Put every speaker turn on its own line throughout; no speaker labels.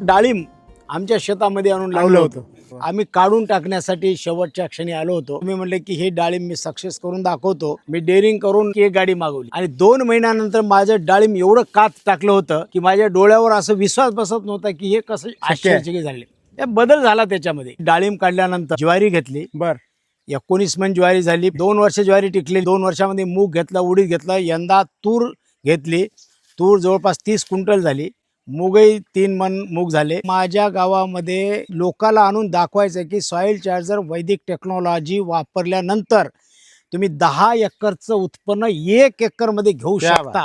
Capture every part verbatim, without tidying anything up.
डाळिंब आमच्या शेतामध्ये आणून लावलं होतं. आम्ही काढून टाकण्यासाठी शेवटच्या क्षणी आलो होतो. मी म्हणले की हे डाळिंब मी सक्सेस करून दाखवतो. मी डेअरिंग करून एक गाडी मागवली आणि दोन महिन्यानंतर माझं डाळिंब एवढं कात टाकलं होतं की माझ्या डोळ्यावर असं विश्वास बसत नव्हता की हे कसं आश्चर्यचकित झाले. ते बदल झाला त्याच्यामध्ये. डाळिंब काढल्यानंतर ज्वारी घेतली.
बर
एकोणीस मन ज्वारी झाली. दोन वर्ष ज्वारी टिकली. दोन वर्षामध्ये मूग घेतला, उडीद घेतला. यंदा तूर घेतली. तूर जवळपास तीस क्विंटल झाली. मूगही तीन मन मूग झाले. माझ्या गावामध्ये लोकाला आणून दाखवायचं की सॉइल चार्जर वैदिक टेक्नॉलॉजी वापरल्यानंतर तुम्ही दहा एकरचं उत्पन्न एक एकर मध्ये घेऊ शकता.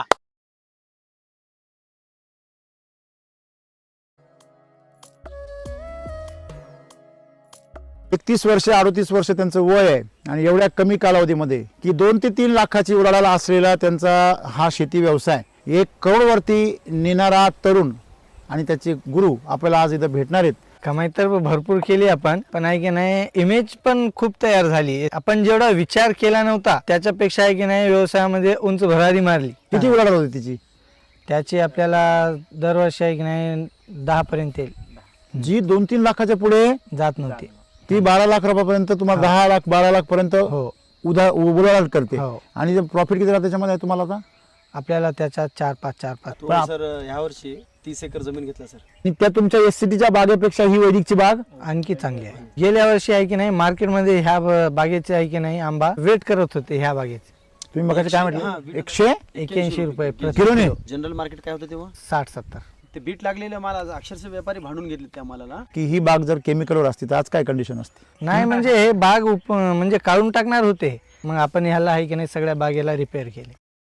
एकतीस वर्ष अडतीस वर्ष त्यांचं वय आहे आणि एवढ्या कमी कालावधीमध्ये की दोन ते तीन लाखाची उलाढाल असलेला त्यांचा हा शेती व्यवसाय एक करोडवरती नेणारा तरुण आणि त्याचे गुरु आपल्याला आज इथं भेटणार आहेत.
कमाई तर भरपूर केली आपण, पण आहे की नाही इमेज पण खूप तयार झाली. आपण जेवढा विचार केला नव्हता त्याच्यापेक्षा आहे की नाही व्यवसायामध्ये उंच भरारी मारली.
किती उलाढाल होती तिची?
त्याची आपल्याला दरवर्षी आहे की नाही दहा पर्यंत येईल.
जी दोन तीन लाखाच्या पुढे
जात नव्हती
ती बारा लाख रुपयापर्यंत तुम्हाला दहा लाख बारा लाख पर्यंत
हो
उदा उलाढाल करते.
हो.
आणि प्रॉफिट किती राहते त्याच्यामध्ये तुम्हाला आता?
आपल्याला त्याच्यात चार पाच चार पाच
सर ह्या वर्षी तीस एकर जमीन घेतला सर.
आणि त्या तुमच्या एस सीटीच्या बागेपेक्षा ही वैदिकची बाग
आणखी चांगली आहे. गेल्या वर्षी आहे की नाही मार्केटमध्ये ह्या ब- बागेचे आहे की नाही आंबा वेट करत होते. ह्या बागेचे
तुम्ही मग काय म्हटलं? एकशे
एक्याऐंशी रुपये प्रति
किलोने?
जनरल मार्केट काय होतं तेव्हा?
साठ सत्तर.
ते बीट लागलेलं माल अक्षरशः व्यापारी भांडून घेतले त्या मालाला.
की ही बाग जर केमिकलवर असती तर आज काय कंडिशन असते?
नाही म्हणजे हे बाग उप म्हणजे काढून टाकणार होते. मग आपण ह्याला आहे की नाही सगळ्या बागेला रिपेअर केले.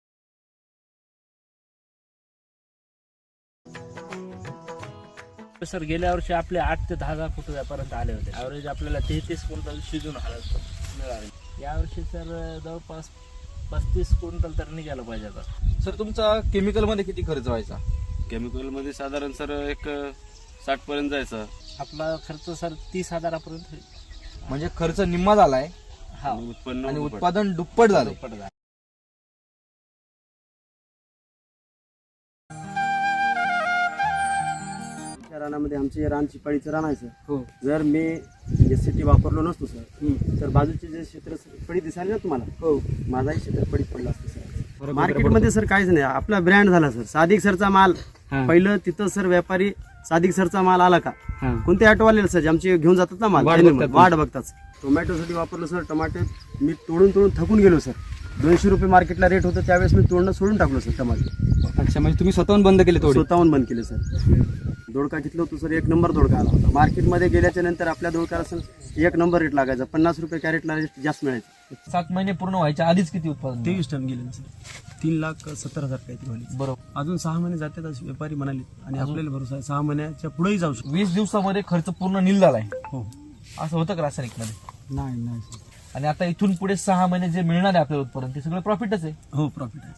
सर गेल्या वर्षी आपले आठ ते दहा हजार फूट व्यापारात आले होते. ॲव्हरेज आपल्याला तेहतीस क्विंटल शिजून मिळाले. यावर्षी सर जवळपास पस्तीस क्विंटल तर निघायला पाहिजे आता.
सर तुमचा केमिकल मध्ये किती खर्च व्हायचा?
केमिकल मध्ये साधारण सर एक साठ पर्यंत जायचं.
आपला खर्च सर तीस हजारापर्यंत होईल.
म्हणजे खर्च निम्मा झालाय
हा
आणि उत्पन्न
आणि
दुप्पट.
उत्पादन दुप्पट झालं.
दुप्पट झालं.
रानामध्ये आमचे रान चिपाळीचं रान आहे सर. जर मी एस सी टी वापरलो नसतो सर तर बाजूचे जे क्षेत्र पडी दिसायला ना तुम्हाला हो माझाही क्षेत्र पडीत पडला असतो सर. मार्केटमध्ये सर काहीच नाही. आपला ब्रँड झाला सर. सादिक सरचा माल पहिलं तिथं सर व्यापारी सादिक सरचा माल आला का कोणते ऑटोवाले सर आमचे घेऊन जातात ना माल वाट बघतात. टोमॅटोसाठी वापरलं सर. टमाटे मी तोडून तोडून थकून गेलो सर. दोनशे रुपये मार्केटला रेट होतं त्यावेळेस मी तोडणं सोडून टाकलो सर टमाटे.
अच्छा म्हणजे तुम्ही स्वतःहून बंद केले थोडे?
स्वतःहून बंद केले सर. दोडका घेतलं होतं सर. एक नंबर दोडका आला होता. मार्केटमध्ये गेल्याच्या नंतर आपल्या दोडकाला सर एक नंबर रेट लागायचा. पन्नास रुपये कॅरेटला रेट जास्त मिळायचं.
सात महिने पूर्ण व्हायच्या आधीच किती उत्पादन?
तेवीस टन गेले सर. तीन लाख सत्तर हजार काहीतरी झाले.
बरोबर.
अजून सहा महिने जातात असे व्यापारी म्हणाले आणि आपल्याला भरोसा आहे सहा महिन्याच्या पुढेही जाऊ शकतो.
वीस दिवसामध्ये खर्च पूर्ण नील झालाय.
हो
असं होतं का रासायनिक मध्ये?
नाही नाही सर.
आणि आता इथून पुढे सहा महिने जे मिळणार आहे आपल्याला उत्पादन ते सगळं प्रॉफिटच आहे.
हो प्रॉफिट आहे.